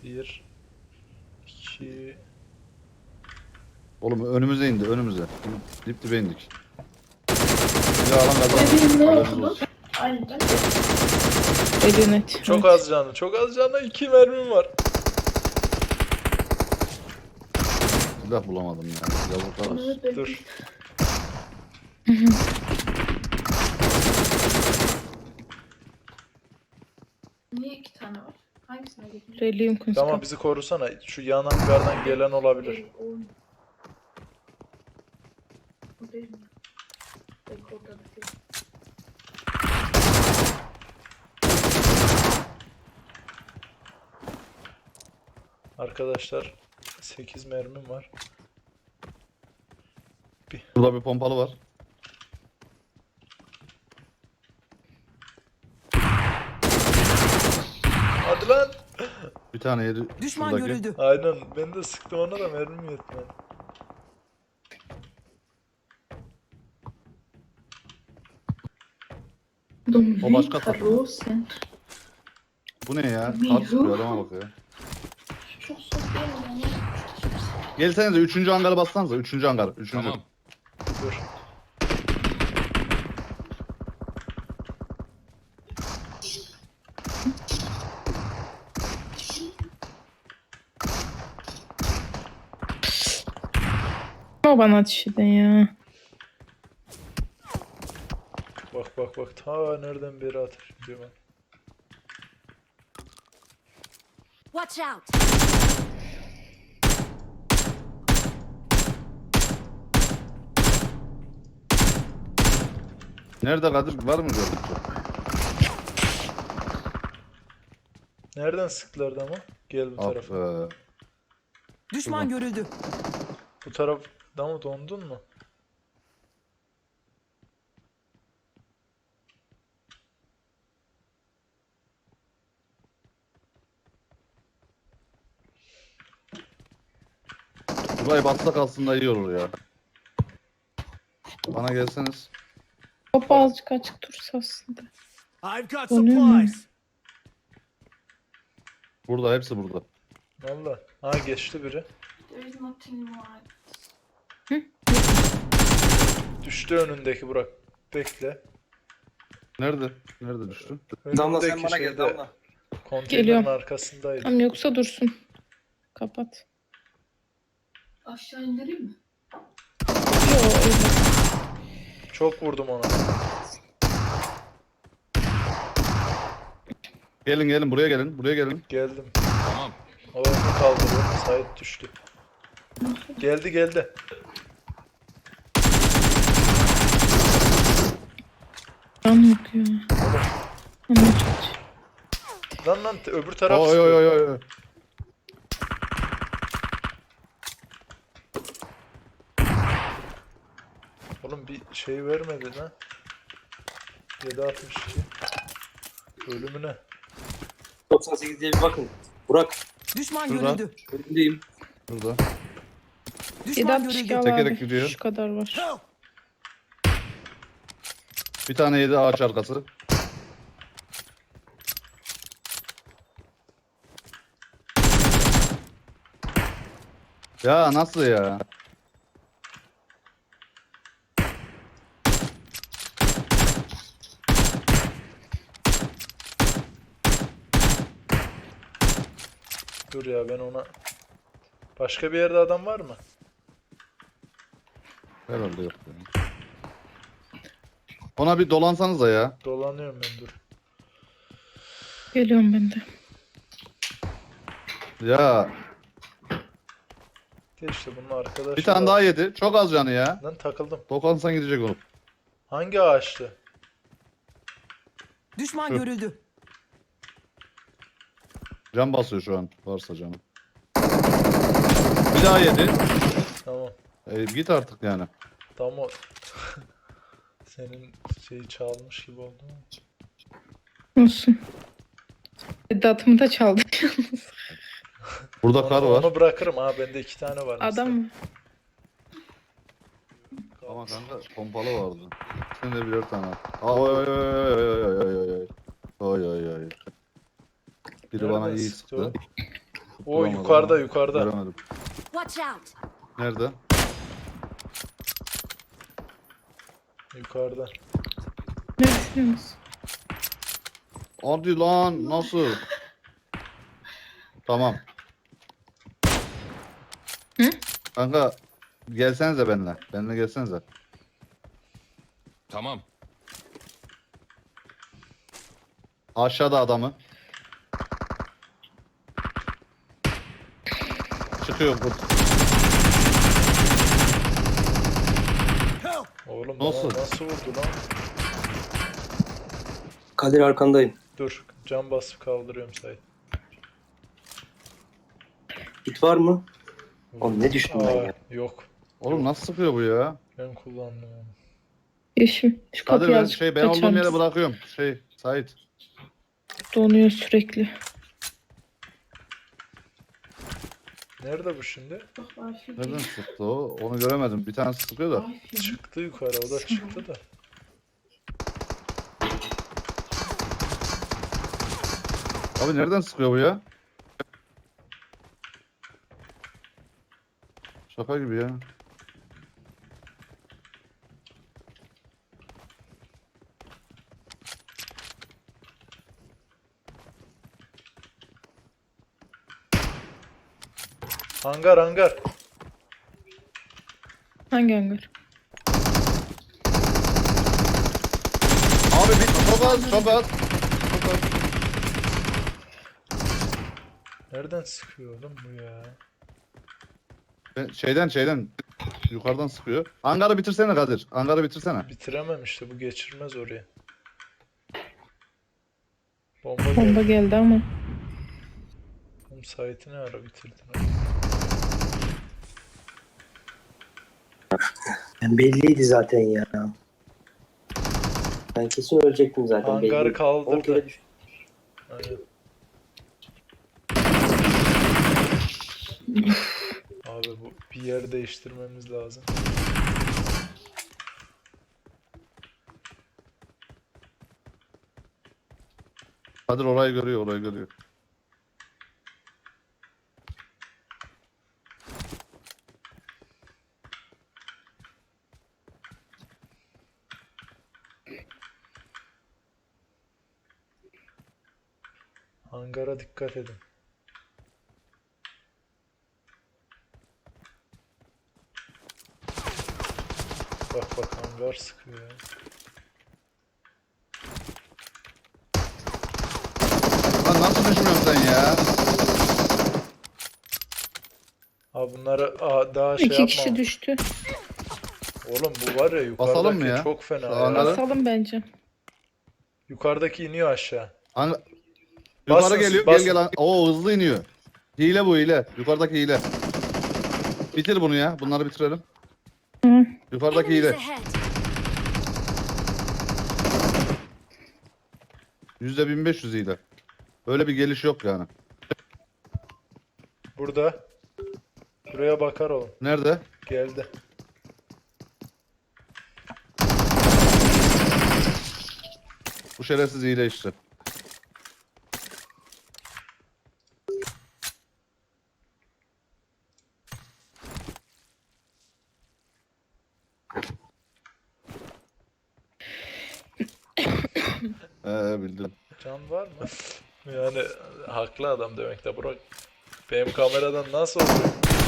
Bir, iki... Oğlum önümüze indi önümüze. Dip dibe indik. Bir alan Bebeğim ne kazandı. oldu? Aynen. Elinet. Çok az canlı, çok az canlı. 2 mermim var. Silah bulamadım ya. Yazıklar olsun. Dur. Niye iki tane var? Hangisine geçeyim? Relium kunska. Tamam bizi korusana. Şu yan hangardan gelen olabilir. O değil mi? Belki orada da değil. Arkadaşlar 8 mermim var. Burada bir pompalı var. Hadi lan. Bir tane yedi. Düşman şuradaki. görüldü. Aynen ben de sıktım ona da mermim yetmedi. O başka takım. Karosen. Bu ne ya? Miru. Kart sıkıyor adama bak ya. Çok sos değil mi? Yani? Gelsenize 3. hangarı bassanıza. 3. hangar. 3. Tamam. Dur. Ama bana ateş edin ya. Bak bak bak ta nereden beri ateş ediyor ben. Watch out. Nerede Kadir? Var mı gördük? Nereden sıktılardı ama? Gel bu tarafa. Of, Düşman görüldü. Bu tarafta mı dondun mu? Burayı batsak aslında iyi olur ya. Bana gelseniz. Hop azıcık açık dursa aslında. I've got Oluyor mu? supplies. Burada hepsi burada. Valla. Ha geçti biri. There is nothing like. Düştü önündeki Burak. Bekle. Nerede? Nerede düştü? Damla sen bana şeyde, gel Damla. Konteynerin Geliyorum. arkasındaydı. Tamam yoksa dursun. Kapat. Aşağı indireyim mi? Yo öyle. Çok vurdum ona. Gelin gelin buraya gelin. Buraya gelin. Geldim. Tamam. O onu kaldırıyor. Sait düştü. Geldi geldi. Can yok ya. Ama çok. Lan öbür taraf Oy sıkıyor. oy oy oy. Oğlum bir şey vermedi lan. 762. Ölümüne. 98 diye bir bakın. Burak, Düşman Şurada. görüldü. önündeyim. Burada. Düşman 762 görüldü. al Tekerek abi. gidiyor. Şu kadar var. Help. Bir tane yedi ağaç arkası. Ya nasıl ya? Dur ya ben ona... Başka bir yerde adam var mı? Herhalde yok. Ya. Ona bir dolansanıza ya. Dolanıyorum ben dur. Geliyorum ben de. Ya De işte bunun arkadaşı bir tane var. daha yedi. Çok az canı ya. Lan takıldım. Dokansan gidecek oğlum. Hangi ağaçtı? Düşman görüldü. Can basıyor şu an. Varsa canı. Bir daha yedi. Tamam. Git artık yani. Tam o... Senin şeyi çalmış gibi oldu ama. Olsun. Datımı da çaldı. Burada kar var. Onu bırakırım ha bende 2 tane var. Adam mı? Ama kanka pompalı vardı. Sen de birer tane. Oy oy oy oy oy oy oy oy. Oy oy oy. Biri bana Nereden iyi sıktı sıktı. o? O Bulamadım yukarıda ama yukarıda. Göremedim. Watch out! Nerede? Yukarıda. Ne düşünüyorsunuz? Hadi lan nasıl? Tamam. Hı? Kanka gelsenize benimle. Benimle gelsenize. Tamam. Aşağıda adamı. Çıkıyor kurt. Oğlum Nasıl? bana nasıl vurdu lan? Kadir arkandayım. Dur cam basıp kaldırıyorum Sait. Git var mı? Oğlum ne düştüm ben ya? Yok. Oğlum nasıl sıkıyor bu ya? Ben kullandım onu. Yeşim. Şu Kadir kapıyı ben azıcık ben açar olduğum yere mısın? bırakıyorum. Sait. Donuyor sürekli. Nerede bu şimdi? Bak Arif. Nereden sıktı o? Onu göremedim. Bir tanesi sıkıyor da. Arif. Çıktı yukarı o da çıktı da. Abi nereden sıkıyor bu ya? Şaka gibi ya. Hangar hangar. Hangi hangar? Abi bir çok az çok az. Çok az. Nereden sıkıyor oğlum bu ya? Şeyden yukarıdan sıkıyor. Hangarı bitirsene Kadir. Hangarı bitirsene. Bitiremem işte bu geçirmez oraya. Bomba Bomba geldi. geldi ama. Oğlum Sait'i ne ara bitirdin? Ben belliydi zaten ya. Ben kesin ölecektim zaten. Hangarı belliydi. 10 kaldırdı. kere düştüm. Aynen. Abi bu bir yer değiştirmemiz lazım. Kadir orayı görüyor, orayı görüyor. Hangara dikkat edin. Bak bak hangar sıkıyor ya. Lan nasıl düşmüyorsun sen ya? Abi bunları daha şey İki yapma. kişi düştü. Oğlum bu var ya Basalım mı yukarıdaki ya? çok fena Şu ya. hangarı- Basalım bence. Yukarıdaki iniyor aşağı. Yukarı Basın, geliyor, basın. gel. Oo hızlı iniyor. Hile bu hile. Yukarıdaki hile. Bitir bunu ya. Bunları bitirelim. Hı. Yukarıdaki Enemies hile. ahead! %1500 hile. Öyle bir geliş yok yani. Burada. Buraya bakar oğlum. Nerede? Geldi. Bu şerefsiz hile işte. Bildim. Can var mı? Yani haklı adam demek de Burak. Benim kameradan nasıl oluyor?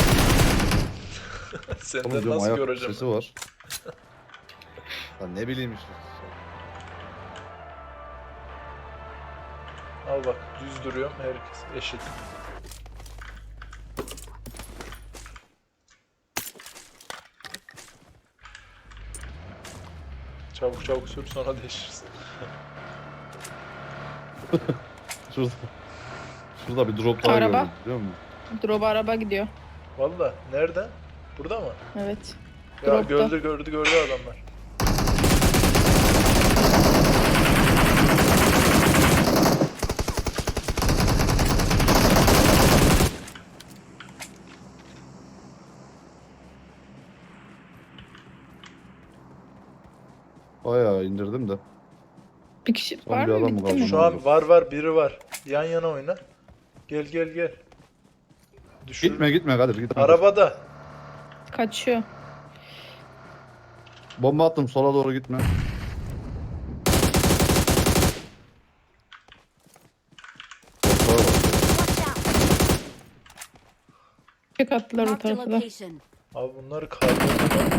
Oğlum Senden diyorum nasıl ayak göreceğim? sesi var. Lan ne bileyim işte. Al bak düz duruyorum herkes eşit. Çabuk çabuk sür sonra değişirsin. Şurada. Şurada bir drop daha Araba. gördüm biliyor musun? Drop araba gidiyor. Valla nerede? Burada mı? Evet. Ya Dropta. gördü adamlar. Bayağı indirdim de. Bir kişi Son var bir mı? adam mı Bitti kaldı? mi? Şu an var biri var. Yan yana oyna. Gel. Düşür. Gitme Kadir gitme. Arabada. Kaçıyor. Bomba attım sola doğru gitme. Korklara bak. Watch out! Çık attılar o Marked a tarafa da. location. Abi bunları kaldırdılar.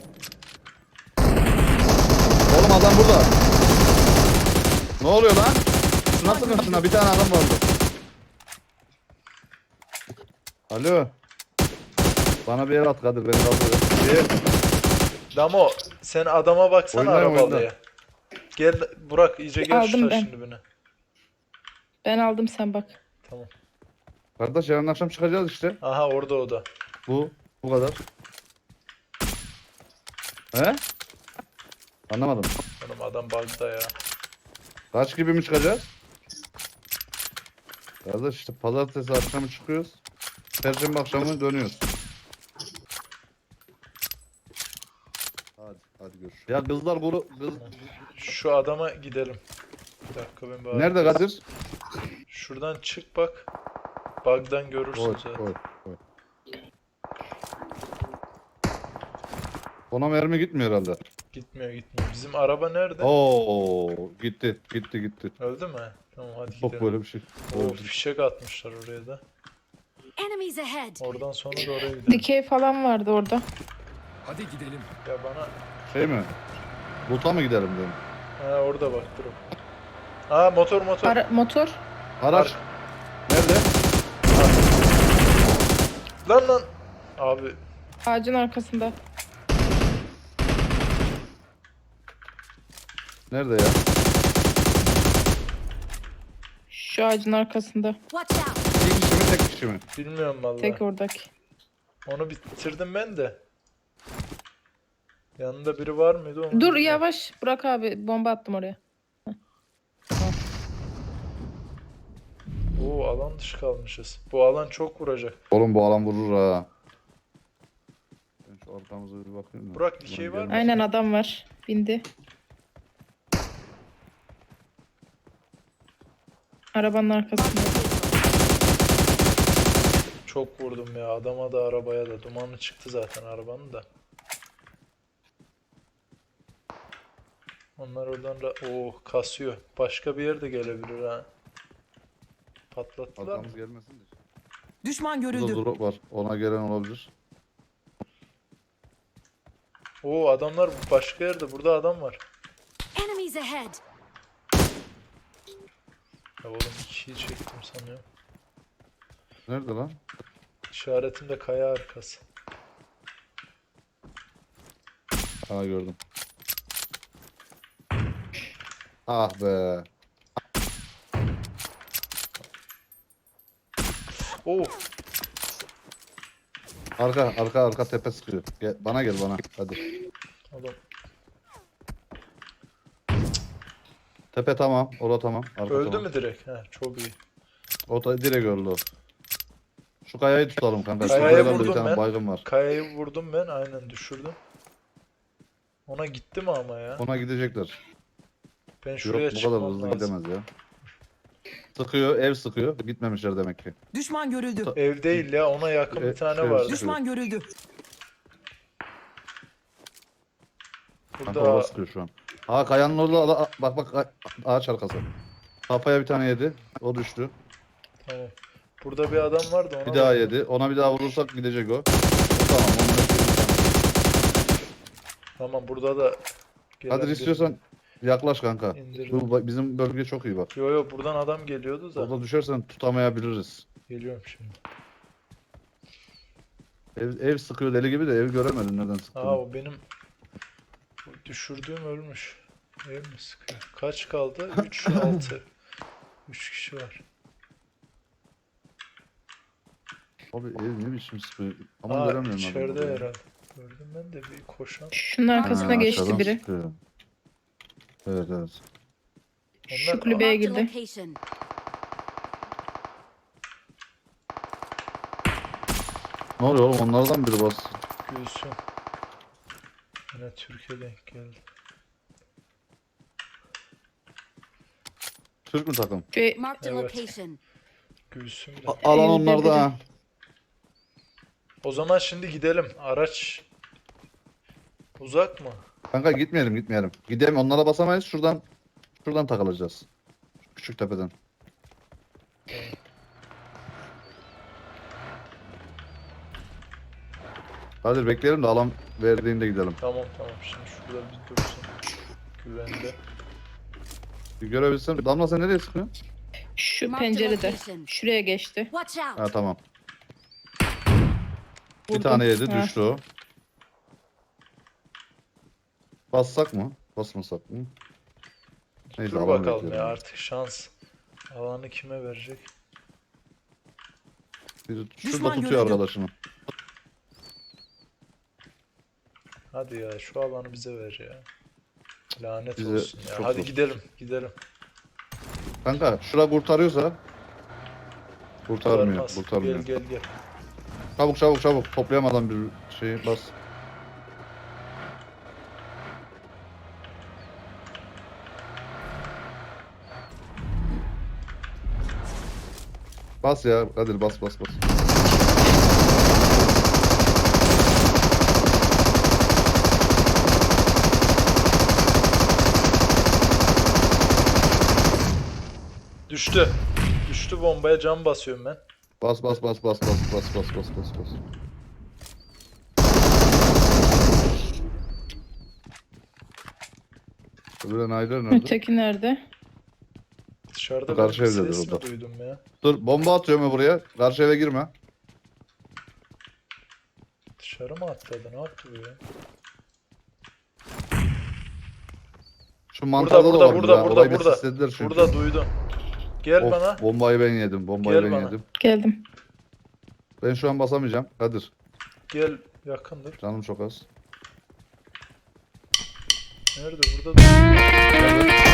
Oğlum adam burada. Ne oluyor lan? Nasıl karşına bir tane adam vardı. Alo. Bana bir el at Kadir beni kaldırıyor. Damo sen adama baksana Oynayın, arabalıya. oyna. Gel Burak iyice gel şu Aldım taşın ben. dibine. Ben aldım sen bak. Tamam. Kardeş yarın akşam çıkacağız işte. Aha orada o da. Bu kadar. He? Anlamadım. Oğlum adam bug'da ya. Kaç gibi mi çıkacağız? Kardeş işte pazartesi akşamı çıkıyoruz. Perşembe akşamı dönüyoruz. Hadi görüşürüz. Ya kızlar kız... Şu adama gidelim. Bir dakika ben bir Nerede Kadir? Şuradan çık bak. Bug'dan görürsün Oy, zaten. oy. Ona mermi gitmiyor herhalde. Gitmiyor. Bizim araba nerede? Oo, gitti. Öldü mü? Tamam hadi Çok gidelim. böyle bir şey. O fişek atmışlar oraya da. Enemies ahead! Oradan sonra da oraya gidelim. Dikey falan vardı orada. Hadi gidelim. Ya bana... Şey mi? Loot'a mı gidelim diyorum. Ha orada bak dur. Aa motor. Motor. Araç. Nerede? Lan. Abi Ağacın arkasında. Nerede ya? Şu ağacın arkasında. Watch out! İki kişi mi tek kişi mi? bilmiyorum vallahi. Tek oradaki. Onu bitirdim ben de. Yanında biri var mıydı? Onu Dur bilmiyorum. yavaş. Burak abi bomba attım oraya. Oo alan dışı kalmışız. Bu alan çok vuracak. Oğlum bu alan vurur ha. Ben şu arkamıza bir bakayım da. Burak, dikey var mı? Aynen adam var. Bindi. Arabanın arkasında. Çok vurdum ya. Adama da arabaya da. Dumanı çıktı zaten arabanın da. Onlar oradan kasıyor. Başka bir yerde gelebilir ha. Patlattılar mı? Arkamız gelmesin de. Düşman Burada görüldü. drop var. Ona gelen olabilir. Oo adamlar başka yerde. Burada adam var. Enemies ahead! Ya oğlum ikiyi çektim sanıyorum. Nerede lan? İşaretimde kaya arkası. Ha gördüm. Ah be. Oo Arka tepe sıkıyor. Gel, bana gel bana. Hadi. adam Tepe tamam. Orada tamam. Arka öldü tamam. mü direkt? He çok iyi. O da direkt öldü o. Şu kayayı tutalım kanka. Şu Kayaya kayalarda bir vurdum tane ben. baygın var. Kayayı vurdum ben aynen düşürdüm. Ona gitti mi ama ya? Ona gidecekler. Ben şuraya Yok bu kadar çıkmam hızlı lazım. gidemez ya. Sıkıyor, ev sıkıyor. Gitmemişler demek ki. Düşman görüldü. Ev değil ya ona yakın bir tane şey- vardı. Düşman görüldü. Kanka Burada orada sıkıyor şu an. Ha kayanın orada bak ağaç arkası. Kafaya bir tane yedi. O düştü. tamam. Burada bir adam vardı ona Bir daha bak. yedi. Ona bir daha vurursak gidecek o. Tamam. Tamam burada da gelen Hadi biri- istiyorsan yaklaş kanka. İndirdim. Bizim bölge çok iyi bak. Yo buradan adam geliyordu da. Orada düşersen tutamayabiliriz. Geliyorum şimdi. Ev sıkıyor deli gibi de ev göremedim nereden Aa sıktığını. o benim düşürdüğüm ölmüş. Ev mi sıkıyor? Kaç kaldı? 3 6. 3 kişi var. Abi ev ne biçim sıkıyor. Ama Aa göremiyorum içeride adamı. herhalde. Gördüm ben de bir koşan. Şunun arkasına Ha, geçti aşağıdan biri. sıkıyor. Evet. Şu Onlar kulübeye Marked a girdi. location. Ne oluyor oğlum onlardan biri bas. Gülsün. Yine Türkiye denk geldi. Türk mü takım? Ve Marked a Evet. location. Gülsün de. Alan Evde onlarda biri. ha. O zaman şimdi gidelim. Araç uzak mı? Kanka gitmeyelim. Gidelim, onlara basamayız. Şuradan takılacağız. Küçük tepeden. Hadi bekleyelim de alan verdiğinde gidelim. Tamam. Şimdi şurada bir dursun. Güvende. Bir görebilsem. Damla sen nereye sıkıyorsun? Şu Marked a pencerede. location. Şuraya geçti. Watch out. Ha tamam. Bir Vurdum. tane yedi, Ha. düştü o. Bassak mı? Basmasak mı? Neyse, Dur alan bakalım bekleyelim. ya, artık şans. Alanı kime verecek? Şurada Düşman tutuyor görüldü. arkadaşını. Hadi ya, şu alanı bize ver ya. Lanet Bize olsun ya. çok Hadi zor. gidelim. Kanka şura kurtarıyorsa. Kurtarmıyor. Kurtarmaz. Gel. Çabuk. Toplayamadan bir şeyi bas. Bas ya. Hadi bas. Düştü bombaya, cam basıyorum ben. Bas. Öbürü Naylor nerede? Öteki nerede? Dışarıda Karşı ben bir evdedir ses o da. mi duydum ya? Dur, bomba atıyorum ya buraya. Karşı eve girme. Dışarı mı atladı? Ne yaptı bu ya? Şu mantarda da var. Burada. Çünkü. Burada duydum. Gel Of, bana. bombayı ben yedim. Gel bana. Geldim. Ben şu an basamayacağım. Kadir. Gel, yakındır. Canım çok az. Nerede? Burada. Gel.